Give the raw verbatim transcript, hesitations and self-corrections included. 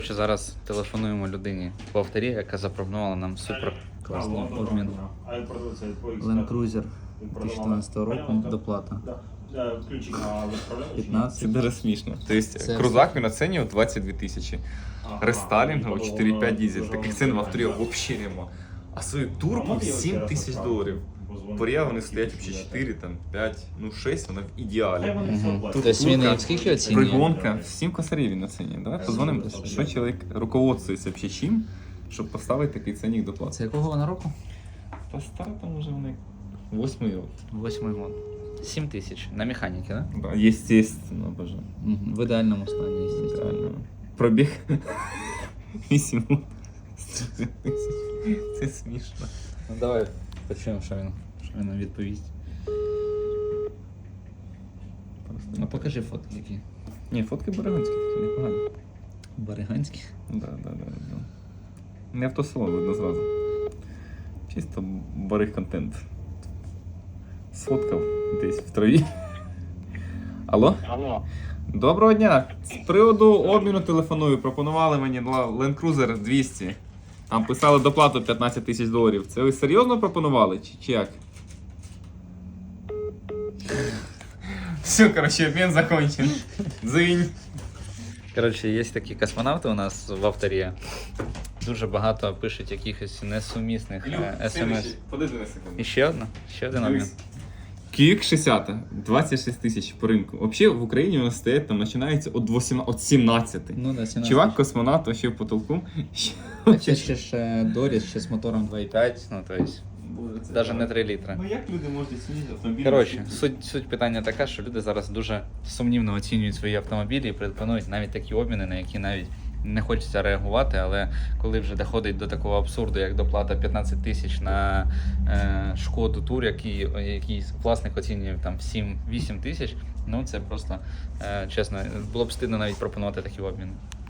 Що зараз телефонуємо людині в авторі, яка запропонувала нам супер класний обмін. Land Cruiser дві тисячі чотирнадцятого року, доплата. п'ятнадцять. Це дуже смішно. Тобто Це крузак він оцінює двадцять дві тисячі. Рестайлінгово чотири п'ять дизель. Таких цін в авторі взагалі нема. А свою турбу сім тисяч доларів. Порія вони стоять взагалі чотири, там, п'ять, ну шість, вона в ідеалі. Угу. Тут Тобто він турка, і скільки оцінює? Пригонка, всім косарів він оцінює. Давай позвонимо, що чоловік руководствується взагалі чим, щоб поставити такий цінник до плати. Це якого вона року? Та стара там уже вони восьмий рок. Восьмий год. сім тисяч. На механіки, так? Да? Да, естественно, боже. Угу. В ідеальному стані, звісно. Реально. Пробіг вісім тисяч. Це смішно. Ну давай почуємо, що він, що він нам відповість. Просто Ну покажи фотки які. Ні, фотки Берегонські такі непогані. Бариганські. Да, да, да, да. Не автосалон видно зразу. Чисто барих контент. Сфоткав десь в траві. Алло? Алло. Доброго дня! З приводу обміну телефоную. Пропонували мені Land Cruiser двісті. Там писали доплату п'ятнадцять тисяч доларів. Це ви серйозно пропонували? Чи, чи як? Все, короче, обмін закончен. Дзинь. Коротше, є такі космонавти у нас в авторі. Дуже багато пишуть якихось несумісних е, смс. Подожди на секунду. І ще одна? Ще один обмін. Кік шістдесят, двадцять шість тисяч по ринку. Взагалі в Україні у нас стоять, там починається від вісімнадцяти, від сімнадцяти. Ну, да, сімнадцять. Чувак, космонавт, вообще в потолку. А це ще ж Доріс, ще з мотором два і п'ять, ну то есть, навіть не три літри. Ну як люди можуть оцінити автомобіль? Коротше, суть, суть питання така, що люди зараз дуже сумнівно оцінюють свої автомобілі і пропонують навіть такі обміни, на які навіть не хочеться реагувати, але коли вже доходить до такого абсурду, як доплата п'ятнадцять тисяч на е, Шкоду Тур, який, який власник оцінює там сім-вісім тисяч, ну це просто, е, чесно, було б стидно навіть пропонувати такі обміни.